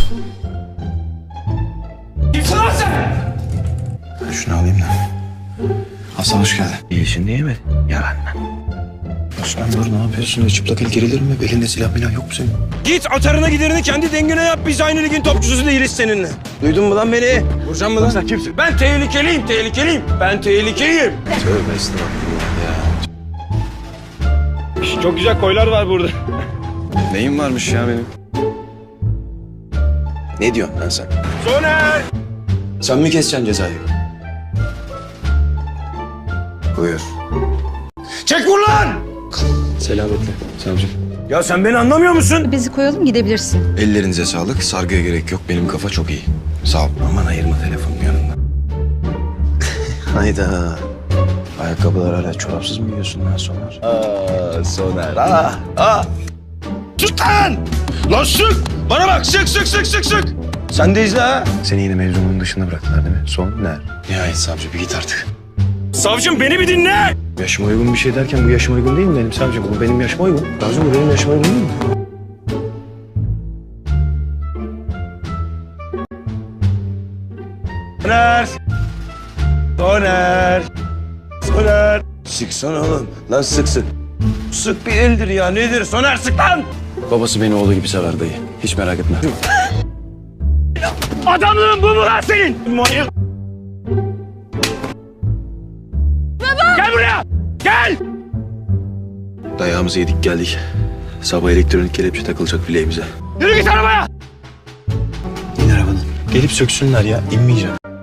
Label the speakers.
Speaker 1: Kimsin lan sen?
Speaker 2: Şunu alayım da. Hasan hoş geldin.
Speaker 3: İyisini yemedin. Yalan.
Speaker 2: Osman dur ne yapıyorsun? Öyle çıplak el gerilir mi? Belinde silah milah yok mu senin?
Speaker 1: Git atarına giderini kendi dengine yap. Biz aynı ligin topçusu değiliz seninle. Duydun mu lan beni? Vuracağım mı lan? Sen kimsin? Ben tehlikeliyim, tehlikeliyim. Ben tehlikeliyim.
Speaker 2: Tövbe estağfurullah ya.
Speaker 1: Çok güzel koylar var burada.
Speaker 2: Neyim varmış ya benim? Ne diyorsun lan sen?
Speaker 1: Soner!
Speaker 2: Sen mi keseceksin cezayı? Buyur.
Speaker 1: Çek vur lan!
Speaker 2: Selametle savcım.
Speaker 1: Ya sen beni anlamıyor musun?
Speaker 4: Bizi koyalım gidebilirsin.
Speaker 2: Ellerinize sağlık. Sargıya gerek yok. Benim kafa çok iyi. Sağ ol. Aman ayırma telefonun yanından. Hayda. Ayakkabılar hala çorapsız mı giyiyorsun lan Soner?
Speaker 1: Soner, Tut lan! Lan sık! Bana bak, sık! Sen de izle ha!
Speaker 2: Seni yine mevzunun dışında bıraktılar değil mi? Soner. Nihayet savcı bir git artık.
Speaker 1: Savcım beni bir dinle!
Speaker 2: Yaşıma uygun bir şey derken bu yaşıma uygun değil mi benim savcım? Bu benim yaşıma uygun. Savcım bu benim yaşıma uygun değil mi?
Speaker 1: Soner! Sıksana oğlum. Lan sıksın. Sık bir eldir ya. Nedir? Soner sık lan!
Speaker 2: Babası beni oğlu gibi sever dayı. Hiç merak etme.
Speaker 1: Adamlığın bu mu lan senin? Manyak! Baba! Gel buraya! Gel!
Speaker 2: Dayağımızı yedik geldik. Sabah elektronik kelepçe takılacak bileğimize.
Speaker 1: Yürü git arabaya!
Speaker 2: İn arabadan. Gelip söksünler ya. İnmeyeceğim.